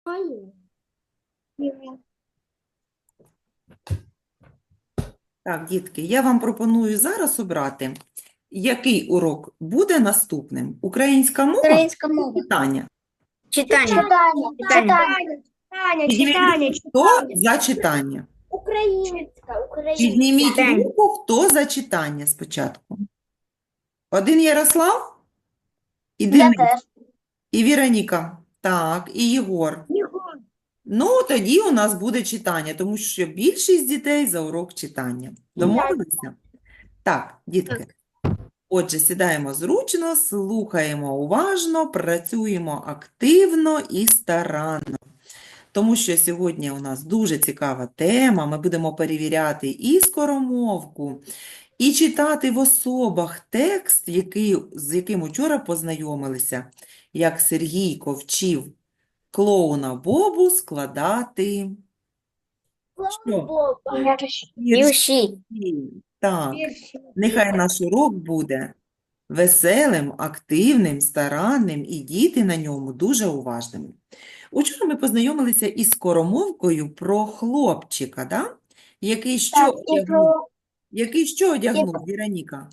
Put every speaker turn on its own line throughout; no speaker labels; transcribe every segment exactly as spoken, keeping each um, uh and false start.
Так, дітки, я вам пропоную зараз обрати, який урок буде наступним. Українська мова
Українська
чи
мова.
читання?
Читання.
Читання,
Читання.
читання,
Підніміть
читання,
руку, хто за читання?
Українська, українська.
Підніміть
Читання.
руку, хто за читання спочатку. Один Ярослав? І
Я
Денис,
теж.
і Віроніка. Так, і Єгор. Ну, тоді у нас буде читання, тому що більшість дітей за урок читання. Домовилися? Так, дітки. Отже, сідаємо зручно, слухаємо уважно, працюємо активно і старанно. Тому що сьогодні у нас дуже цікава тема. Ми будемо перевіряти і скоромовку, і читати в особах текст, який, з яким учора познайомилися, як Сергійко вчив клоуна Бобу складати що?
Вірші.
Так, нехай наш урок буде веселим, активним, старанним, і діти на ньому дуже уважними. Учора ми познайомилися із скоромовкою про хлопчика, да? Який що
Так, і
одягнув?
про
Який що одягнув, Віроніка?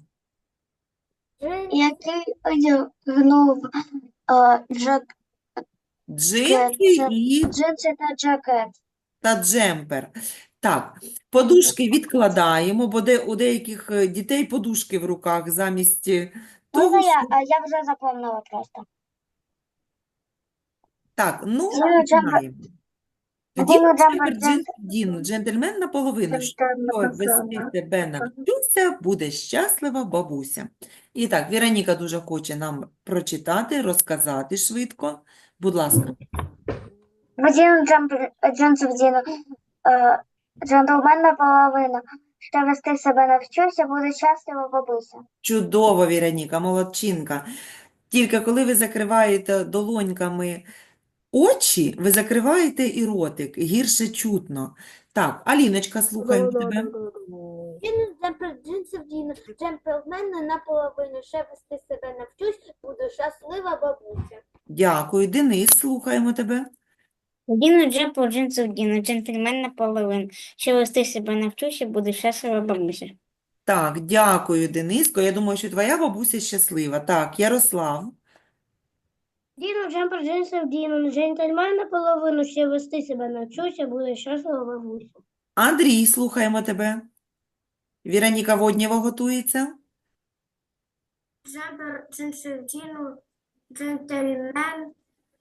який одягнув е, джак,
Джинси
це-
і
джинси та джакет.
та джемпер. Так, подушки відкладаємо, бо де, у деяких е, дітей подушки в руках замість е, того,
Можна я?
що...
А я вже запомнила просто.
Так, ну,
Діну джемпер,
починаємо. Тоді
Діну
джемпер,
джемпер,
джинс, Діну, джентльмен наполовину. Що вести тебе навчуся, буде щаслива бабуся. І так, Віроніка дуже хоче нам прочитати, розказати швидко. Будь ласка.
Діну джемпер, джинси вдіну. Е, джентльмен наполовину. Ще вести себе навчуся, буде щаслива бабуся.
Чудово, Віроніка, молодчинка. Тільки коли ви закриваєте долоньками очі, ви закриваєте і ротик, гірше чутно. Так, Аліночка, слухаємо тебе.
Діну джемпер, джинси вдіну, джентльмена наполовину, ще вести себе навчусь, буду щаслива бабуся.
Дякую, Денис, слухаємо тебе.
Діну джемпу, джинси вдіну, джентльмен наполовину. Ще вести себе навчуся, буде щаслива бабуся.
Так, дякую, Дениско. Я думаю, що твоя бабуся щаслива. Так, Ярослав.
Діну джемпер, джинси вдіну, джентльмен наполовину, ще вести себе навчуся, буде щаслива бабуся.
Андрій, слухаємо тебе. Віроніка Воднєва готується.
Джемпер, джинси вдіну, джентльмен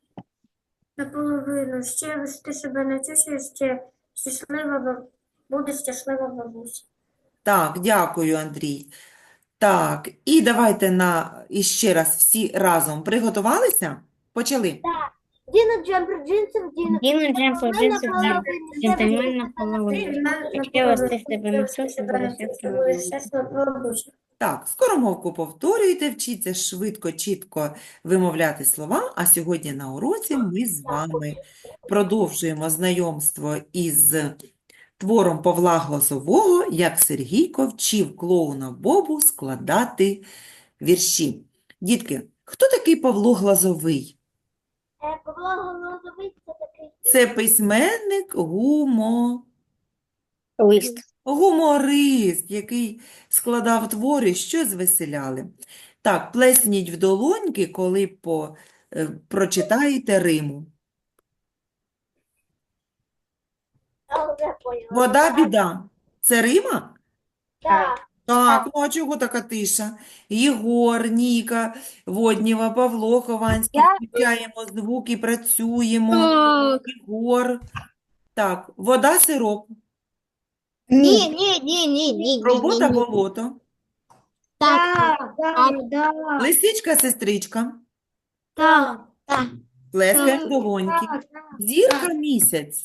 наполовину, ще вести себе навчуся, ще щаслива бабуся, буде щаслива бабуся.
Так, дякую, Андрій. Так, і давайте на іще раз всі разом приготувалися? Почали.
Діну джемпер, джинси вдіну,
Діну джемпу, джинси вдіну, джентльмен наполовину. Ще вести себе навчуся, буде щаслива бабуся.
Так, скоромовку повторюйте, вчіться швидко, чітко вимовляти слова, а сьогодні на уроці ми з вами продовжуємо знайомство із твором Павла Глазового, як Сергійко вчив клоуна Бобу складати вірші. Дітки, хто такий Павло Глазовий?
Е, Павло Голозовий – це такий
Це письменник, гумо...
Лист.
гуморист, який складав твори, що звеселяли. Так, плесніть в долоньки, коли по, е, прочитаєте риму.
я вже поняла.
Вода, біда. Це рима?
Так.
Так, ну а чого така тиша? Єгор, Ніка, Воднєва, Павло Хованський,
Я-
включаємо звук і працюємо. Єгор. Так, вода, сироп.
Ні, ні, ні, ні, ні.
Робота, болото.
Так, так, так,
Лисичка, сестричка.
так,
Плескаємо в долоньки.
так.
Зірка, місяць.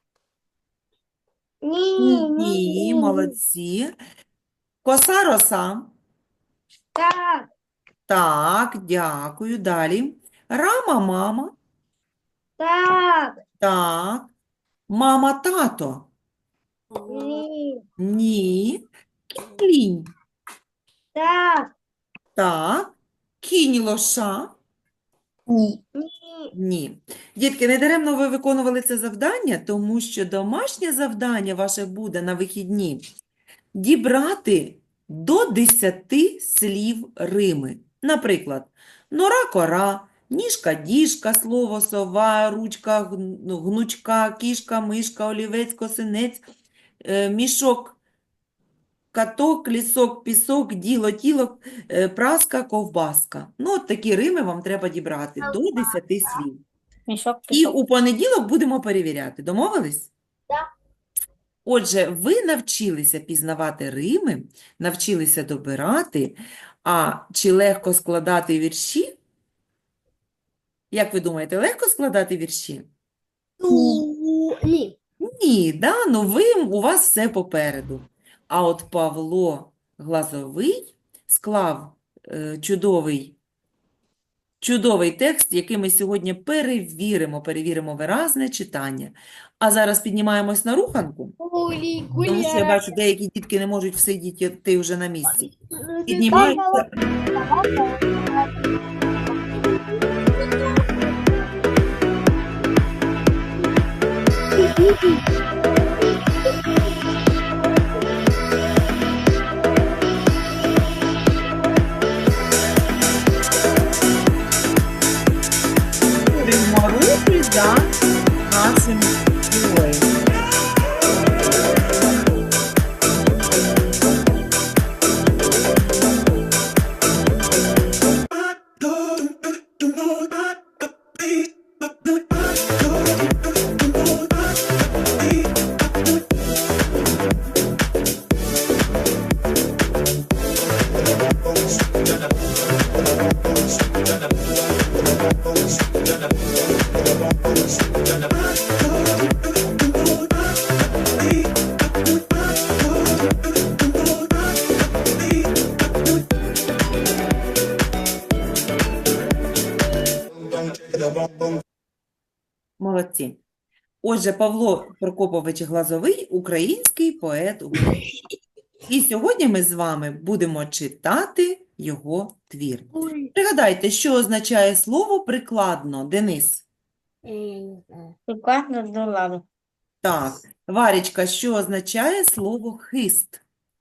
Ні,
Ні,
ні,
молодці. Коса, роса.
так,
Так, дякую. Далі. Рама, мама.
так,
Так. Мама, тато.
ні,
Ні. Кінь.
так,
Так. Кінь, лоша.
Ні.
Ні. Дітки, не даремно ви виконували це завдання, тому що домашнє завдання ваше буде на вихідні дібрати до десяти слів рими. Наприклад, нора-кора, ніжка-діжка, слово сова, ручка, гн- гнучка, кішка, мишка, олівець, косинець, е, мішок, каток, лісок, пісок, діло, тіло, е, праска, ковбаска. Ну, от такі рими вам треба дібрати до десяти слів.
Мішок
І
пісок.
у понеділок будемо перевіряти. Домовились?
Так.
Отже, ви навчилися пізнавати рими, навчилися добирати, а чи легко складати вірші? Як ви думаєте, легко складати вірші?
Ні.
Ні, да? Ну ви, у вас все попереду. А от Павло Глазовий склав е, чудовий, чудовий текст, який ми сьогодні перевіримо, перевіримо виразне читання. А зараз піднімаємось на руханку. Тому що я бачу, деякі дітки не можуть всидіти вже на місці. Піднімаються. Створюємо рухи за нашим героєм. Молодці. Отже, Павло Прокопович Глазовий – український поет України. І сьогодні ми з вами будемо читати його твір. Пригадайте, що означає слово «прикладно», Денис?
Я не знаю.
Прикладно до ладу.
Так. Варічка, що означає слово «хист»?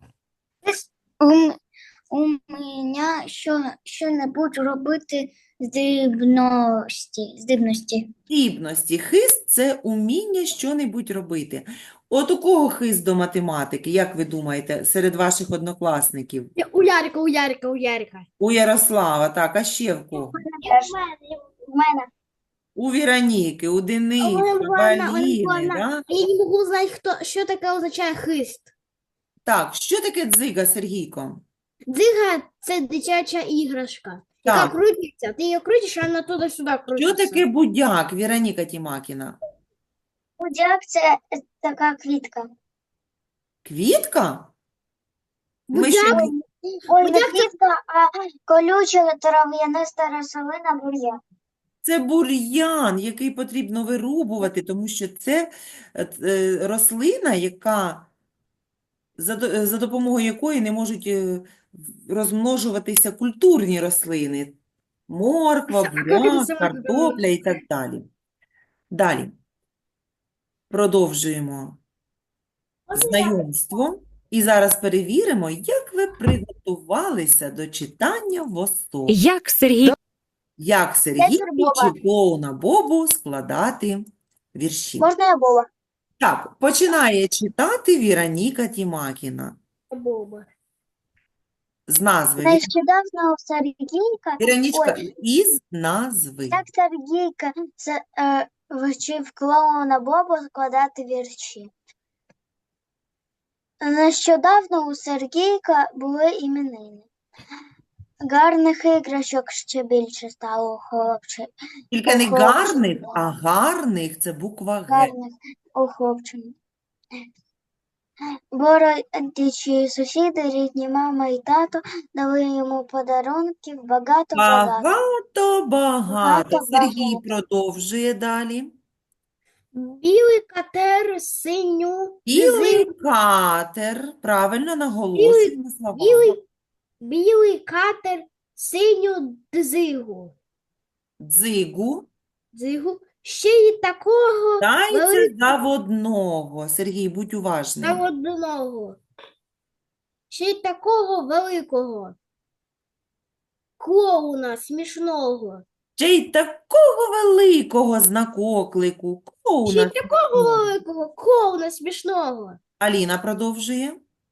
У, у мене що, що-небудь робити з дивності, з дивності.
Здібності. Хист – це уміння що-небудь робити. От у кого хист до математики, як ви думаєте, серед ваших однокласників?
У Ярика, у Ярика, у Ярика.
У Ярослава, так, а ще в кого?
У мене.
У Віроніки, у Дениса,
Олена
у
Івановна, Олена
Аліни,
Івановна,
да?
Я не можу знати, хто, що таке означає хист.
Так, що таке дзига, Сергійко?
Дзига – це дитяча іграшка, яка
Так.
крутиться. Ти її крутиш, а вона туди-сюди
Що
крутиться.
таке будяк, Віроніка Тімакіна?
Будяк це така квітка.
Квітка? Ми ще
Будяк?
не-
Ой, не
Будяк це-
квітка, а колюча трав'яниста рослина бур'ян.
Це бур'ян, який потрібно вирубувати, тому що це е, е, рослина, яка, за, до- е, за допомогою якої не можуть е, розмножуватися культурні рослини. Морква,
А як це
буряк,
саме
картопля і так далі. Далі. Продовжуємо знайомство. І зараз перевіримо, як ви приготувалися до читання в ОСО.
Як Сергій
Як Сергій
Боба.
вчив клоуна Бобу складати вірші.
Можна я Боба?
Так, починає читати Віроніка Тімакіна
Боба.
з назви.
Нещодавно у Сергійка,
Віронічка,
ой.
із назви.
так Сергійка це, е, вчив клоуна Бобу складати вірші. Нещодавно у Сергійка були іменини. Гарних іграшок ще більше стало у хлопчик.
Тільки не
Хлопчик.
гарних, а гарних – це буква Г.
Гарних у хлопчика. Бородичі сусіди, рідні мама і тато дали йому подарунків багато-багато.
Багато, багато.
Багато,
Сергій
багато.
продовжує далі.
Білий катер, синю,
Білий катер. Правильно наголошуємо слова.
білий, білий катер, синю дзигу.
дзигу
Дзигу. Ще й такого
дається заводного. Сергій, будь уважним.
одного. Ще й такого великого. Клоуна смішного.
Ще й такого великого знакоклику.
Ще й
Клоуна.
такого великого клоуна смішного.
Аліна продовжує.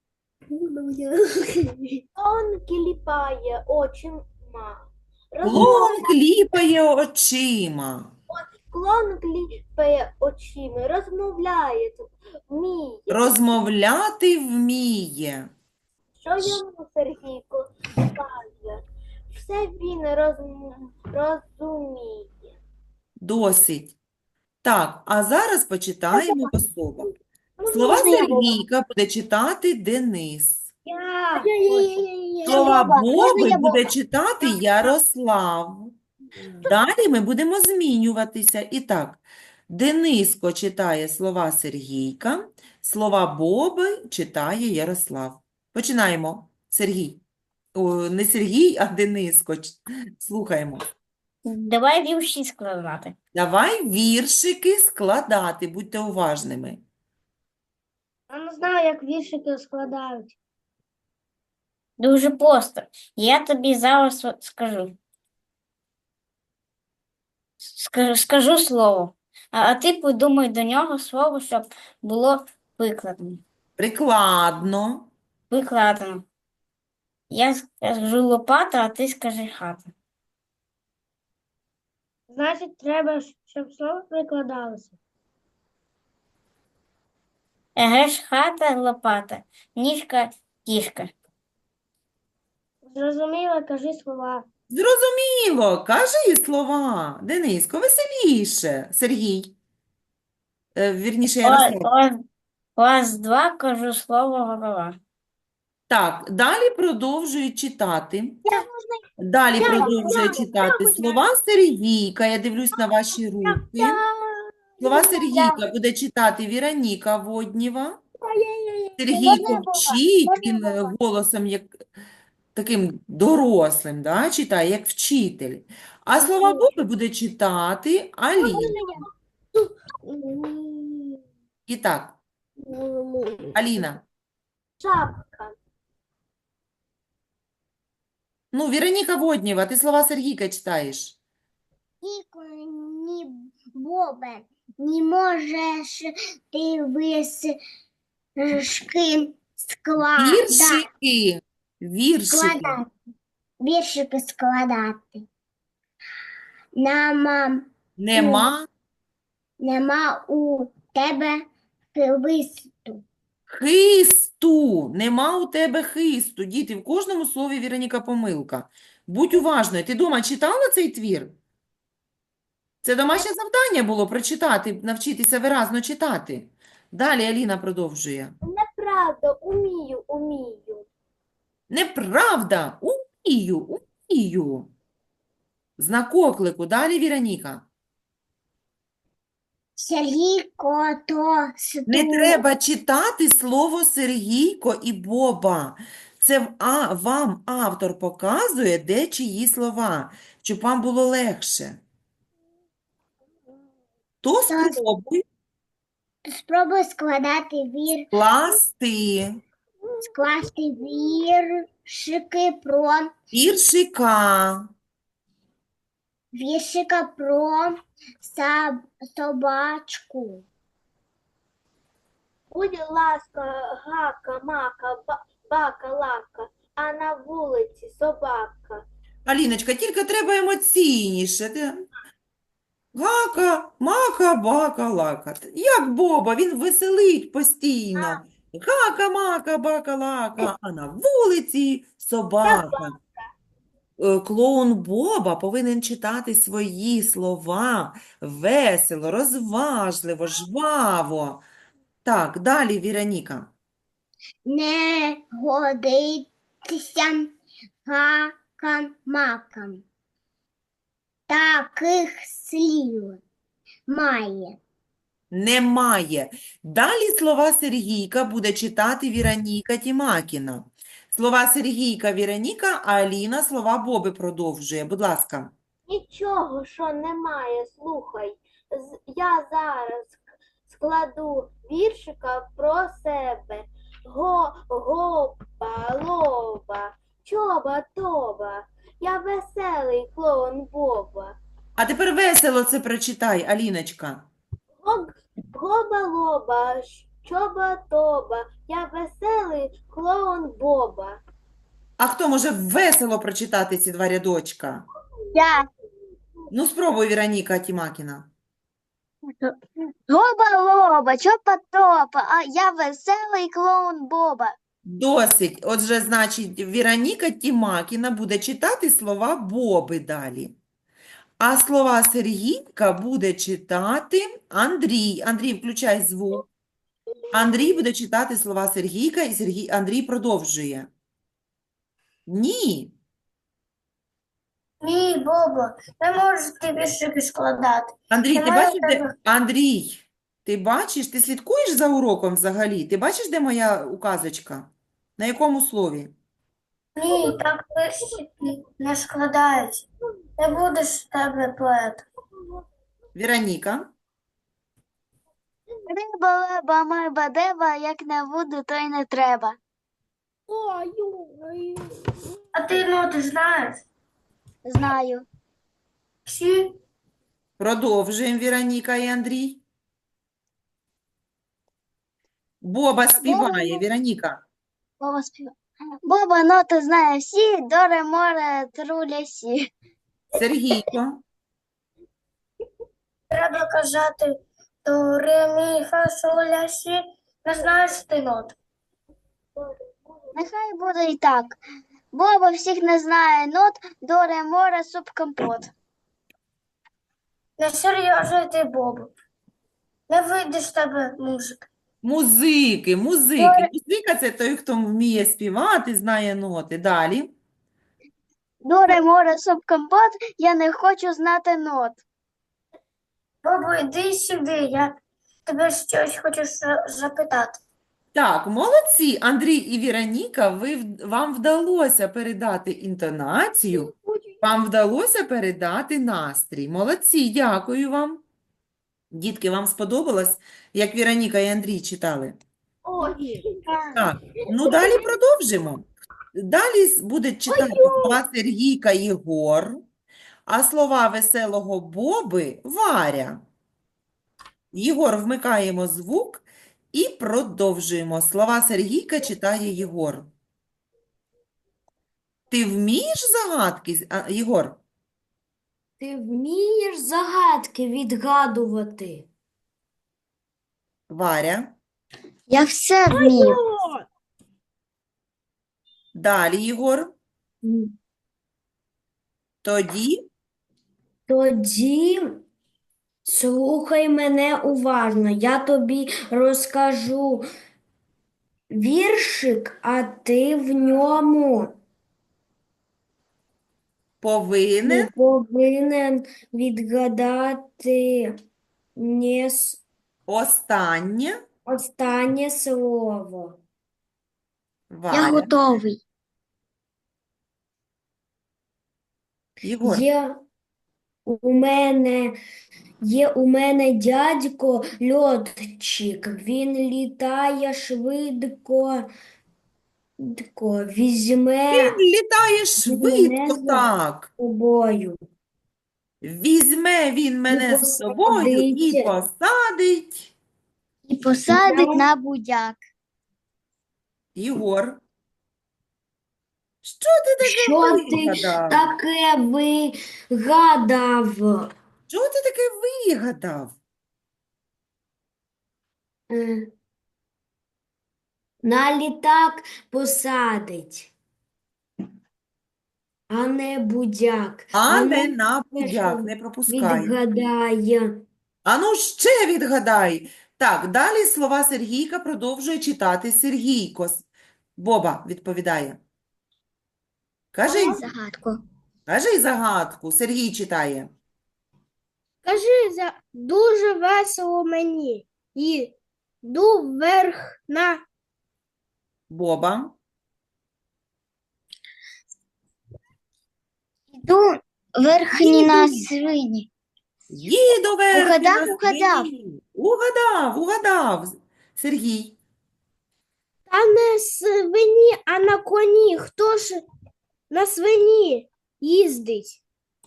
Он кліпає очима.
Клоун кліпає очима.
Клоун кліпає очима, розмовляє, вміє.
Розмовляти вміє.
Що йому Сергійко каже? Все він розм- розуміє.
Досить. Так, а зараз почитаємо по словах. Слова Сергійка буде читати Денис. Слова Боби буде читати Ярослав. Далі ми будемо змінюватися. І так, Дениско читає слова Сергійка, слова Боби читає Ярослав. Починаємо. Сергій. О, не Сергій, а Дениско. Ч- Слухаємо.
Давай вірші складати.
Давай віршики складати, будьте уважними.
Я не знаю, як віршики складають.
Дуже просто. Я тобі зараз от скажу. Скажу, скажу слово, а, а ти подумай до нього слово, щоб було викладено.
Прикладно.
Викладено. Я скажу лопата, а ти скажи хата.
Значить, треба, щоб слово прикладалося.
Еге ж хата, лопата, ніжка, кішка.
Зрозуміло, кажи слова.
Зрозуміло, кажи слова. Дениско, веселіше. Сергій. Е, вірніше,
О-
Ярослав.
Раз, раз, два, кажу слово голова.
Так, далі продовжує читати. Далі продовжує читати слова Сергійка. Я дивлюсь на ваші руки. Слова Сергійка буде читати Віроніка Воднєва. Сергійко вчить, він е, голосом як таким дорослим, да, читає, як вчитель. А слова Боби буде читати Аліна. І так, Аліна.
Шапка.
Ну, Віроніка Воднєва, ти слова Сергійка читаєш.
Ні, Бобе, не можеш ти вишки складати.
Віршики. Віршики.
Складати. Віршики складати. Нема,
Нема
нема у тебе хвисту.
хисту. Нема у тебе хисту. Діти, в кожному слові, Віроніка, помилка. Будь уважною. Ти дома читала цей твір? Це домашнє завдання було прочитати, навчитися виразно читати. Далі Аліна продовжує.
Неправда, умію, умію.
Неправда. Умію, умію. Знак оклику. Далі Віроніка.
Сергійко, то
Не треба читати слово Сергійко і Боба. Це в- а, вам автор показує, де чиї слова, щоб вам було легше. То
Так.
спробуй
Спробуй складати вір,
скласти
скласти віршики про
віршика.
віршика про саб, собачку.
Будь ласка, гака, мака, ба- бака, лака, а на вулиці собака.
Аліночка, тільки треба емоційніше. Ти- Гака, мака, бака, лака. Як Боба, він веселить постійно. Гака, мака, бака, лака, а на вулиці собака. Е, Клоун Боба повинен читати свої слова весело, розважливо, жваво. Так, далі Віроніка.
Не годиться гакам-макам. Таких слів має.
Немає. Далі слова Сергійка буде читати Віроніка Тімакіна. Слова Сергійка, Віроніка, а Аліна слова Боби продовжує. Будь ласка.
нічого, що немає, слухай. З- Я зараз складу віршика про себе. Го, гопа, лоба, чоба, тоба. Я веселий клоун Боба.
А тепер весело це прочитай, Аліночка.
Гоб, гоба, лоба, чоба, тоба. Я веселий клоун Боба.
А хто може весело прочитати ці два рядочка?
Я.
Ну, спробуй, Віроніка Тімакіна.
Гоба-лоба, чопа-топа, а я веселий клоун Боба.
Досить. Отже, значить, Віроніка Тімакіна буде читати слова Боби далі. А слова Сергійка буде читати Андрій. Андрій, включай звук. Андрій буде читати слова Сергійка, і Сергій, Андрій продовжує. Ні.
Ні, Боба, не можете віршики складати.
Андрій, ти
Немає
бачиш,
в
де...
тебе-
Андрій, ти бачиш, ти слідкуєш за уроком взагалі? Ти бачиш, де моя указочка? На якому слові?
Ні, так віршики не складаються. Не будеш з тебе поет.
Віроніка.
Риба, леба, майба, деба, як не буду, то й не треба. А ти ноти знаєш? Знаю. Всі?
Продовжуємо, Віроніка і Андрій. Боба співає, Віроніка.
Боба співає. Боба ноти знає всі, до ре, море, труля, сі.
Сергійко.
Треба казати до ре, мі, фа, соль, ля, сі. Не знаєш ти нот. Нехай буде і так. Боба всіх не знає нот, до ре, море, суп, компот. Не серйозно ти, Боба. Не вийде з тебе музика.
Музики, музики.
Добре.
Музика – це той, хто вміє співати, знає ноти. Далі.
До ре, море, суп, компот, я не хочу знати нот. Бабу, йди сюди, я тебе щось хочу за- запитати.
Так, молодці, Андрій і Віроніка, ви, в- вам вдалося передати інтонацію, вам вдалося передати настрій. Молодці, дякую вам. Дітки, вам сподобалось, як Віроніка і Андрій читали?
Ой,
Так, ну далі продовжимо. Далі с- буде читати слова Сергійка Єгор, а слова веселого Боби Варя. Єгор, вмикаємо звук і продовжуємо. Слова Сергійка читає Єгор. Ти вмієш загадки, а, Єгор?
Ти вмієш загадки відгадувати?
Варя.
Я все вмію.
Далі, Єгор. Тоді
Тоді слухай мене уважно, я тобі розкажу віршик, а ти в ньому
повинен
повинен відгадати не с-
останнє.
останнє слово.
Варя.
готовий.
Єгор.
Є у мене, є у мене дядько льотчик, він літає швидко, швидко, візьме
Він літає швидко,
за-
так.
тобою.
Візьме він мене з собою і
посадить.
посадить.
І посадить на будяк.
Єгор. Що ти таке
Що ти
вигадав?
таке вигадав?
Що ти таке вигадав?
Е, На літак посадить, а не будяк.
А
ну,
не на
теж
будяк, не пропускай.
відгадає.
А ну ще відгадай. Так, далі слова Сергійка продовжує читати Сергійко. С- Боба відповідає. Кажи,
Загадку.
кажи загадку. Сергій читає.
Кажи, за дуже весело мені. Йду вверх на
Боба.
Йду Верхні на свині.
Їду верхи
Угадав,
на
угадав.
свині. Угадав, угадав. Сергій.
Та не свині, а на коні. Хто ж на свині їздить?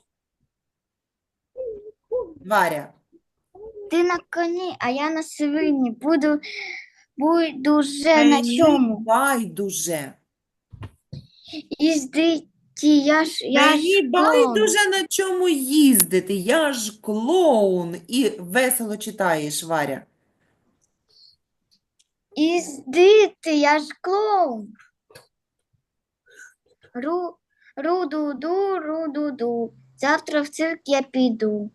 Варя.
Ти на коні, а я на свині. Буду, буду вже на
Мені
чому.
байдуже.
Їздити, я ж, я
Мені
ж клоун.
байдуже на чому їздити. Я ж клоун. І весело читаєш, Варя.
Їздити, я ж клоун. Ру, ру-ду-ду, ру-ду-ду. Завтра в цирк я піду.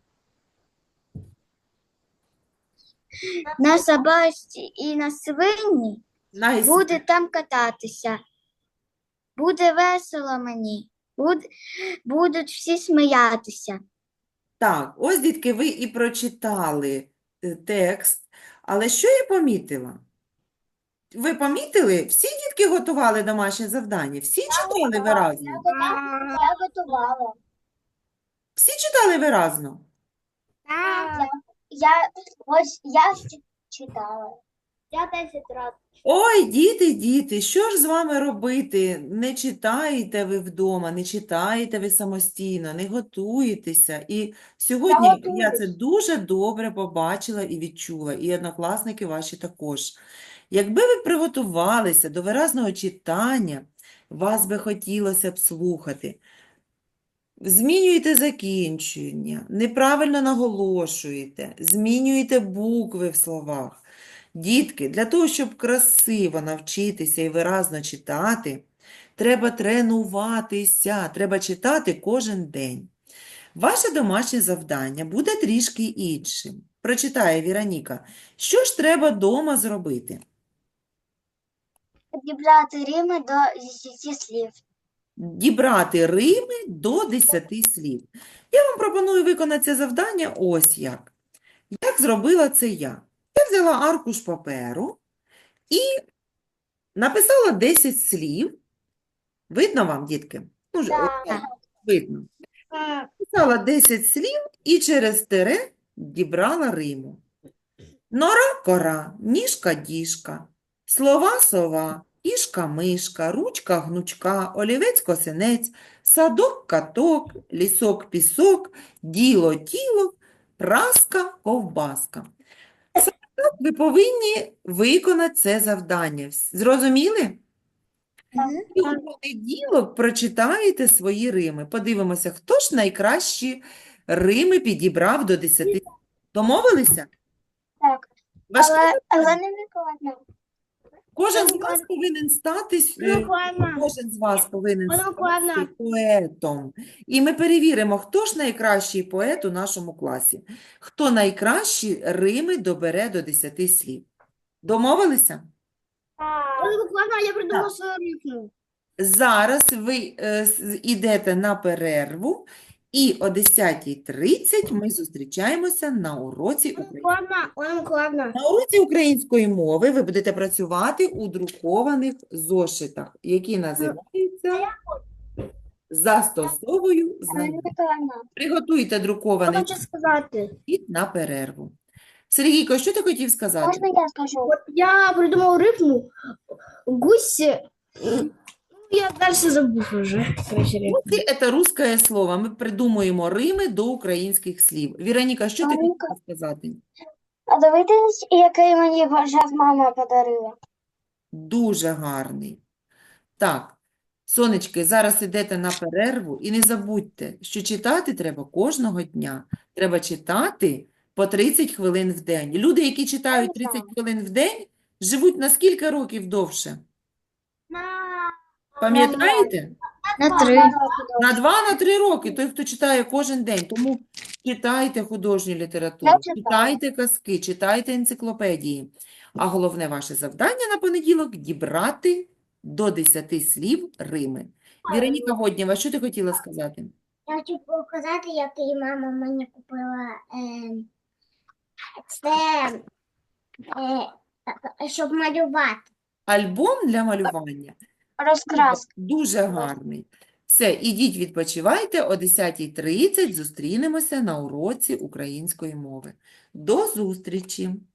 На собаці і на свині
Найс-
буде там кататися. Буде весело мені. Буд, будуть всі сміятися.
Так, ось, дітки, ви і прочитали е, текст. Але що я помітила? Ви помітили? Всі дітки готували домашнє завдання? Всі читали виразно?
Я готувала.
Всі читали виразно?
Так.
Я, ось я читала.
Я десять разів.
Ой, діти, діти, що ж з вами робити? Не читаєте ви вдома, не читаєте ви самостійно, не готуєтеся. І сьогодні я це дуже добре побачила і відчула, і однокласники ваші також. Якби ви приготувалися до виразного читання, вас би хотілося б слухати. Змінюєте закінчення, неправильно наголошуєте, змінюєте букви в словах. Дітки, для того, щоб красиво навчитися і виразно читати, треба тренуватися, треба читати кожен день. Ваше домашнє завдання буде трішки іншим. Прочитає Віроніка. Що ж треба дома зробити?
Підібрати рими до десяти слів.
Дібрати рими до десяти слів. Я вам пропоную виконати це завдання ось як. Як зробила це я? Я взяла аркуш паперу і написала десять слів. Видно вам, дітки? Ну, ж,
Так.
видно. Написала десять слів і через тире дібрала риму. Нора, кора, ніжка, діжка, слова, сова, кішка, мишка, ручка, гнучка, олівець, косинець, садок, каток, лісок, пісок, діло, тіло, праска, ковбаска. Саме так ви повинні виконати це завдання. Вс- Зрозуміли? І у понеділок прочитаєте свої рими. Подивимося, хто ж найкращі рими підібрав до десяти. Домовилися?
Так.
Важке
Але, але
завдання.
не викладно.
Кожен з вас повинен стати, е,
Буквально.
кожен з вас повинен
Буквально.
стати поетом. І ми перевіримо, хто ж найкращий поет у нашому класі. Хто найкращі рими добере до десяти слів. Домовилися?
Буквально я придумала
Так.
свою рифму.
Зараз ви е, с- йдете на перерву, і о десятій тридцять ми зустрічаємося на уроці української.
Буквально, Олена Миколаївна.
На уроці української мови ви будете працювати у друкованих зошитах, які називаються «Застосовую знання». Приготуйте друкований
Хочу сказати.
зошит на перерву. Сергійко, що ти хотів сказати?
Можна я скажу?
От я придумав рифму. Гусь. Ну, я далі забув вже. Короче, рифму.
Гуси – це русське слово. Ми придумуємо рими до українських слів. Віроніка, що ти
Маринка.
хотіла сказати?
А дивитесь, який мені бажав мама подарила.
Дуже гарний. Так, сонечки, зараз ідете на перерву і не забудьте, що читати треба кожного дня. Треба читати по тридцять хвилин в день. Люди, які читають тридцять хвилин в день, живуть на скільки років довше? Пам'ятаєте?
На три.
На два, на три роки. Той, хто читає кожен день. Тому читайте художню літературу,
Я читаю.
читайте казки, читайте енциклопедії. А головне ваше завдання на понеділок – дібрати до десяти слів рими. Віроніка Воднєва, що ти хотіла сказати?
Я хочу показати, який мама мені купила. Е, це, е, щоб малювати.
Альбом для малювання.
Розкраска.
Дуже гарний. Все, ідіть відпочивайте, о десятій тридцять зустрінемося на уроці української мови. До зустрічі!